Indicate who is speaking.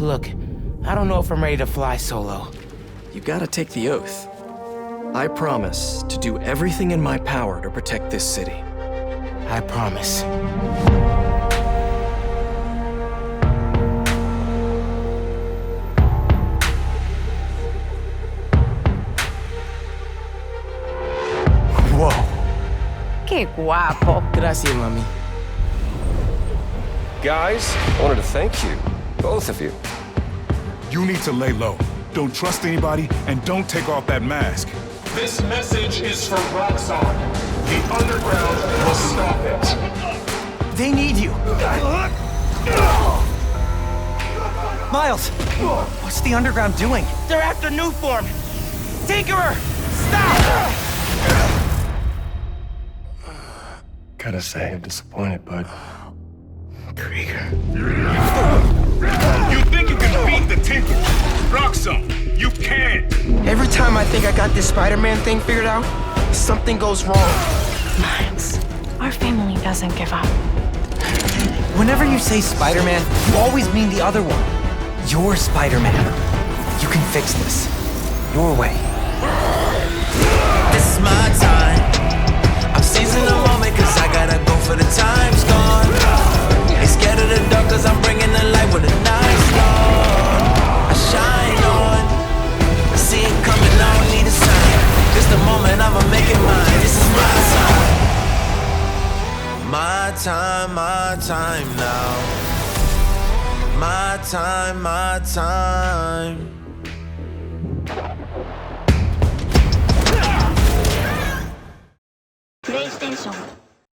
Speaker 1: Look, I don't know if I'm ready to fly solo.
Speaker 2: You gotta take the oath. I promise to do everything in my power to protect this city.
Speaker 1: I promise. Whoa.
Speaker 3: Qué guapo.
Speaker 1: Gracias, mami.
Speaker 4: Guys, I wanted to thank you. Both of you.
Speaker 5: You need to lay low. Don't trust anybody, and don't take off that mask.
Speaker 6: This message is for Roxxon. The underground will stop it.
Speaker 7: They need you. Miles, what's the underground doing?
Speaker 1: They're after Nuform. Tinkerer, stop!
Speaker 4: Gotta say, I'm disappointed, bud.
Speaker 1: Krieger.
Speaker 5: You think you can beat the Tinker? Roxxon, you can't!
Speaker 1: Every time I think I got this Spider-Man thing figured out, something goes wrong.
Speaker 3: Miles, our family doesn't give up.
Speaker 7: Whenever you say Spider-Man, you always mean the other one. You're Spider-Man. You can fix this. Your way.
Speaker 8: This is my time. I'm seizing the moment cause I gotta go for the time's gone. Ain't scared of the dark cause I'm bringing the light when the night's gone. I shine on. I see it coming, I don't need a sign. Just the moment, I'ma make it mine. This is my time. My time now. My time.
Speaker 9: PlayStation